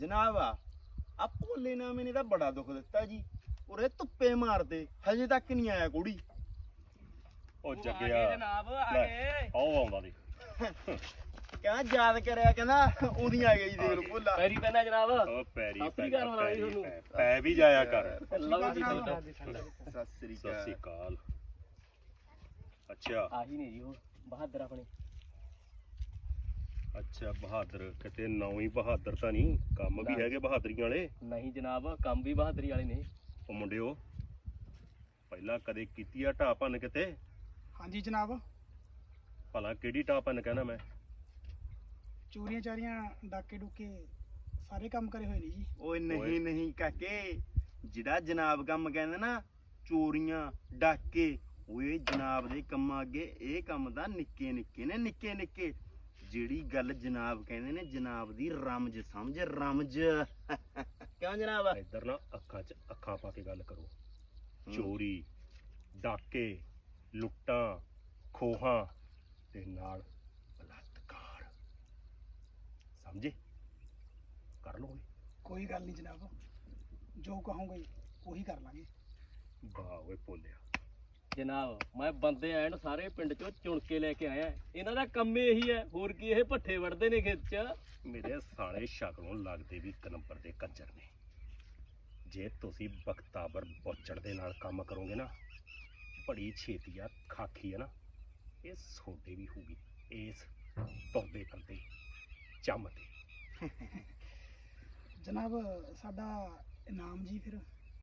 ਜਨਾਬ ਆ ਭੋਲੇ ਨਾਮੇ ਨੇ ਤਾਂ ਬੜਾ ਦੁੱਖ ਦਿੱਤਾ ਜੀ। ਉਰੇ ਧੁੱਪੇ ਮਾਰਦੇ ਹਜੇ ਤੱਕ ਨਹੀਂ ਆਇਆ ਕੁੜੀ। ਉਹ ਜੱਗਿਆ ਜਨਾਬ ਆ ਗਏ। ਆਓ ਆਉਂਦਾ ਦੀ ਕਹਿੰਦਾ ਯਾਦ ਕਰਿਆ, ਕਹਿੰਦਾ ਉਹਦੀ ਆ ਗਈ ਦੇਖ ਲੋ ਭੋਲਾ। ਪੈਰੀ ਪੈਣਾ ਜਨਾਬ। ਉਹ ਪੈਰੀ ਸਤਿ ਸ੍ਰੀ ਅਕਾਲ ਬੁਲਾ ਲਈ ਤੁਹਾਨੂੰ। ਪੈ ਵੀ ਜਾਇਆ ਕਰ। ਲਓ ਜੀ ਸਤਿ ਸ੍ਰੀ ਸਤਿ ਸ੍ਰੀ ਅਕਾਲ। ਅਕਾਲ। ਅੱਛਾ ਆਹੀ ਨੇ ਜੀ ਉਹ ਬਹਾਦਰ ਆਪਣੇ। ਅੱਛਾ ਬਹਾਦਰ, ਕਿਤੇ ਨਾਂ ਹੀ ਬਹਾਦਰ ਤਾਂ ਨਹੀਂ, ਕੰਮ ਵੀ ਹੈਗੇ ਬਹਾਦਰੀਆਂ ਵਾਲੇ। ਨਹੀਂ ਜਨਾਬ, ਕੰਮ ਵੀ ਬਹਾਦਰੀ ਵਾਲੇ ਨੇ। ਉਹ ਮੁੰਡਿਓ ਪਹਿਲਾਂ ਕਦੇ ਕੀਤੀ ਆ ਢਾਹ ਭੰਨ ਕਿਤੇ? ਹਾਂਜੀ ਜਨਾਬ, ਭਲਾ ਕਿਹੜੀ ਢਾਹ ਭੰਨ ਕਹਿਣਾ ਮੈਂ? ਚੋਰੀਆਂ ਚਾਰੀਆਂ ਡਾਕੇ ਡੁਕੇ ਸਾਰੇ ਕੰਮ ਕਰੇ ਹੋਏ ਨੇ ਜੀ। ਓਏ ਨਹੀਂ ਨਹੀਂ ਕਾਕੇ, ਜਿਹੜਾ ਜਨਾਬ ਕੰਮ ਕਹਿੰਦੇ ਨਾ, ਚੋਰੀਆਂ ਡਾਕੇ, ਓਏ ਜਨਾਬ ਦੇ ਕੰਮਾਂ ਅੱਗੇ ਇਹ ਕੰਮ ਤਾਂ ਨਿੱਕੇ ਨਿੱਕੇ ਨੇ, ਨਿੱਕੇ ਨਿੱਕੇ। ਜਿਹੜੀ ਗੱਲ ਜਨਾਬ ਕਹਿੰਦੇ ਨੇ, ਜਨਾਬ ਦੀ ਰਮਜ ਸਮਝ, ਰਮਜ। ਕਿਉਂ ਜਨਾਬ? ਇੱਧਰ ਨਾ ਅੱਖਾਂ 'ਚ ਅੱਖਾਂ ਪਾ ਕੇ ਗੱਲ ਕਰੋ। ਚੋਰੀ ਡਾਕੇ ਲੁੱਟਾਂ ਖੋਹਾਂ ਤੇ ਨਾਲ ਬਲਾਤਕਾਰ, ਸਮਝੇ? ਕਰ ਲਓਗੇ? ਕੋਈ ਗੱਲ ਨਹੀਂ ਜਨਾਬ, ਜੋ ਕਹੋਗੇ ਉਹੀ ਕਰ ਲਾਂਗੇ। ਵਾਹ ਓਏ ਭੋਲਿਆ। ਜਨਾਬ ਮੈਂ ਬੰਦੇ ਐਨ ਸਾਰੇ ਪਿੰਡ ਚੋਂ ਚੁਣ ਕੇ ਲੈ ਕੇ ਆਇਆ। ਇਹਨਾਂ ਦਾ ਕੰਮ ਇਹੀ ਹੈ, ਹੋਰ ਕੀ ਇਹ ਭੱਠੇ ਵੜਦੇ ਨੇ ਖੇਤ 'ਚ। ਮੇਰੇ ਸਾਲੇ ਸ਼ਕਲੋਂ ਲੱਗਦੇ ਵੀ ਇੱਕ ਨੰਬਰ ਦੇ ਕੰਜਰ ਨੇ। ਜੇ ਤੁਸੀਂ ਬਖਤਾਵਰ ਬੋਚੜ ਦੇ ਨਾਲ ਕੰਮ ਕਰੋਗੇ ਨਾ, ਬੜੀ ਛੇਤੀ ਆ ਖਾਖੀ ਹੈ ਨਾ, ਇਹ ਸੋਡੇ ਵੀ ਹੋਊਗੀ ਇਸ ਤੁਰਦੇ ਫਿਰਦੇ ਚੰਮ ਤੇ। ਜਨਾਬ ਸਾਡਾ ਇਨਾਮ ਜੀ ਫਿਰ